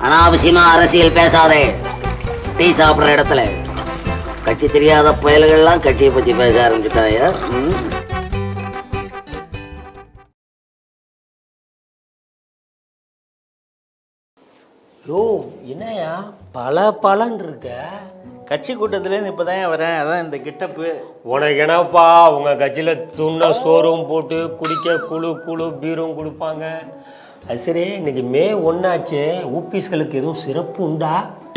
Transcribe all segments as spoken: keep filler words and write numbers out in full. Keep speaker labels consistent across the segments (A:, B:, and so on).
A: அனாவசியமா அரசியல் பேசாதே. டீ சாப்பிடுற இடத்துல கட்சி தெரியாத புயல்கள்லாம் கட்சியை பத்தி பேச ஆரம்பிச்சுட்டாயா?
B: யோ என்னையா பல பலன் இருக்க?
C: கட்சி கூட்டத்துலேருந்து இப்போ தான் வரேன். அதான் இந்த கிட்டப்பு.
B: உனக்கு என்னப்பா உங்கள் கட்சியில் துண்ண சோறும் போட்டு குடிக்க குழு குழு பீரும் கொடுப்பாங்க. அது சரி, இன்னைக்கு மே ஒன்றாச்சே, ஊபிஸ்களுக்கு எதுவும் சிறப்பு உண்டா?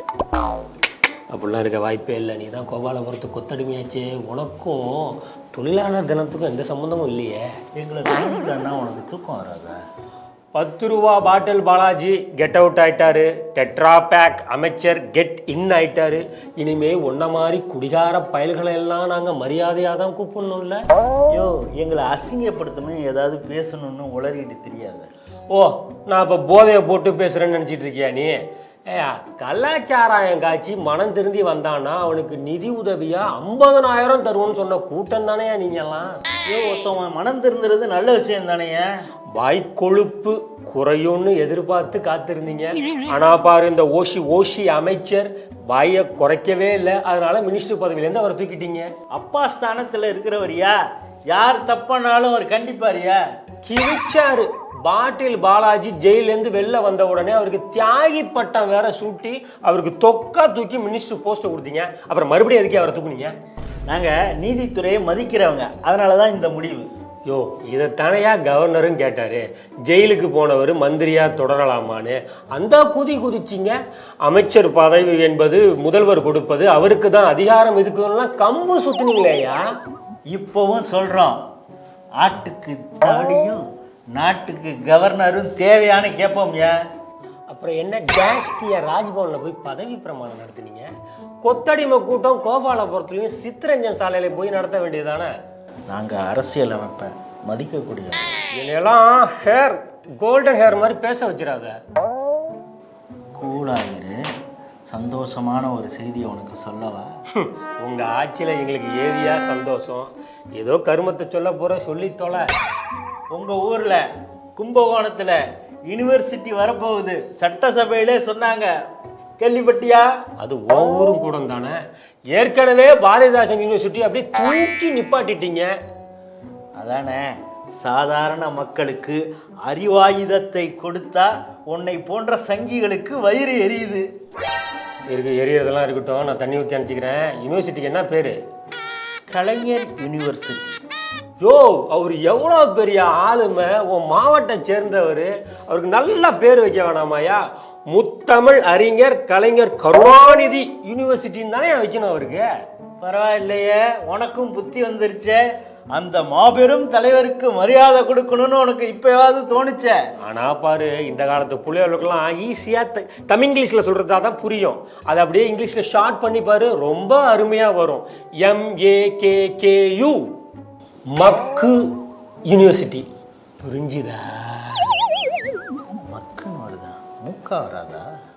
B: அப்படிலாம் இருக்க வாய்ப்பே இல்லை. நீ தான் கோபாலபுரத்து கொத்தடிமையாச்சே. உனக்கும் தொழிலாளர் தினத்துக்கும் எந்த சம்மந்தமும் இல்லையே.
C: எங்களை அண்ணா உனக்கு தூக்கம் வராதா?
B: பத்து ரூபா பாட்டில் பாலாஜி கெட் அவுட் ஆயிட்டாரு. டெட்ரா பேக் அமைச்சர் கெட் இன் ஆயிட்டாரு. இனிமே ஒன்ன மாதிரி குடிகார பயல்களை எல்லாம் நாங்க மரியாதையா தான் கூப்பிடணும்ல.
C: ஐயோ, எங்களை அசிங்கப்படுத்தணும் ஏதாவது பேசணும்னு உளறிட்டு தெரியாது.
B: ஓ, நான் இப்போ போதையை போட்டு பேசுறேன்னு நினச்சிட்டு இருக்கியா நீ? ஏயா, கலாச்சாராயம் காய்ச்சி மனம் திருந்தி வந்தானா அவனுக்கு நிதி உதவியா ஐம்பதனாயிரம் தருவோன்னு சொன்ன கூட்டம் தானே நீங்க எல்லாம்.
C: ஐயோ, ஒருத்தவன் மனம் திருந்துறது நல்ல விஷயம் தானேங்க.
B: வாய்க்கொழுப்பு குறையும்னு எதிர்பார்த்து காத்திருந்தீங்க. ஆனா பாரு, இந்த ஓஷி ஓஷி அமைச்சர் வாயை குறைக்கவே இல்லை. அதனால மினிஸ்டர் பதவியிலேருந்து அவரை தூக்கிட்டீங்க.
C: அப்பா ஸ்தானத்தில் இருக்கிறவரியா? யார் தப்பானாலும் அவர் கண்டிப்பாரியா?
B: கிழிச்சாரு. பாட்டில் பாலாஜி ஜெயிலேருந்து வெளில வந்த உடனே அவருக்கு தியாகி பட்டம் வேற சூட்டி அவருக்கு தொக்கா தூக்கி மினிஸ்டர் போஸ்ட்டை கொடுத்தீங்க. அப்புறம் மறுபடியும் எதுக்கே அவரை தூக்குனீங்க?
C: நாங்கள் நீதித்துறையை மதிக்கிறவங்க, அதனால தான் இந்த முடிவு.
B: யோ, இதைத்தானையா கவர்னரும் கேட்டாரு. ஜெயிலுக்கு போனவர் மந்திரியா தொடரலாமான்னு அந்த குதி குதிச்சிங்க. அமைச்சர் பதவி என்பது முதல்வர் கொடுப்பது, அவருக்கு தான் அதிகாரம் இருக்குதுலாம் கம்பு சுத்தினீங்களேயா.
C: இப்போவும் சொல்கிறோம், ஆட்டுக்கு தாடியும் நாட்டுக்கு கவர்னரும் தேவையான கேட்போம்யா.
B: அப்புறம் என்ன டேஸ்கிய ராஜ்பவனில் போய் பதவி பிரமாணம் நடத்துனீங்க? கொத்தடிமை கூட்டம் கோபாலபுரத்துலையும் சித்தரஞ்சன் சாலையில போய் நடத்த வேண்டியதுதானே?
C: நாங்கள் அரசியல் அமைப்பை மதிக்கக்கூடிய
B: என்னெல்லாம் ஹேர் கோல்டன் ஹேர் மாதிரி பேச வச்சிடாத.
C: கூலாயிரு. சந்தோஷமான ஒரு செய்தியை உனக்கு சொல்லவா?
B: உங்க ஆட்சியில் எங்களுக்கு ஏரியா சந்தோஷம். ஏதோ கருமத்தை சொல்ல போற சொல்லி தொலை.
C: உங்கள் ஊரில் கும்பகோணத்தில் யூனிவர்சிட்டி வரப்போகுது, சட்டசபையிலே சொன்னாங்க. கேள்விப்பட்டியா?
B: அது உன் ஊரும் கூட தானே. ஏற்கனவே பாரதிதாசன் யூனிவர்சிட்டி அப்படியே தூக்கி நிப்பாட்டிட்டீங்க.
C: அதானே, சாதாரண மக்களுக்கு அறிவாயுதத்தை கொடுத்தா உன்னை போன்ற சங்கிகளுக்கு வயிறு எரியுது.
B: இருக்கு, எரியறதெல்லாம் இருக்கட்டும், நான் தண்ணி ஊற்றி அனுப்பிச்சிக்கிறேன். யூனிவர்சிட்டிக்கு என்ன பேரு?
C: கலைஞர் யூனிவர்சிட்டி.
B: யோ, அவர் எவ்வளோ பெரிய ஆளுமை, உன் மாவட்டம் சேர்ந்தவர். அவருக்கு நல்ல பேர் வைக்க வேணாமாயா? முத்தமிழ் அறிஞர் கலைஞர் கருணாநிதி யூனிவர்சிட்டின்னு தானே வைக்கணும் அவருக்கு.
C: பரவாயில்லையே, உனக்கும் புத்தி வந்துருச்சே. அந்த மாபெரும் தலைவருக்கு மரியாதை கொடுக்கணும்னு உனக்கு இப்பயாவது தோணுச்சே.
B: ஆனா பாரு, இந்த காலத்து பிள்ளைகளுக்கெல்லாம் ஈஸியா தமிழ் இங்கிலீஷ்ல சொல்றதா தான் புரியும். அதை அப்படியே இங்கிலீஷ்ல ஷார்ட் பண்ணி பாரு, ரொம்ப அருமையா வரும். M A K K U, மக்கு யூனிவர்சிட்டி. புரிஞ்சுதா?
C: மக்குன்னு வருதா? மூக்கா வராதா?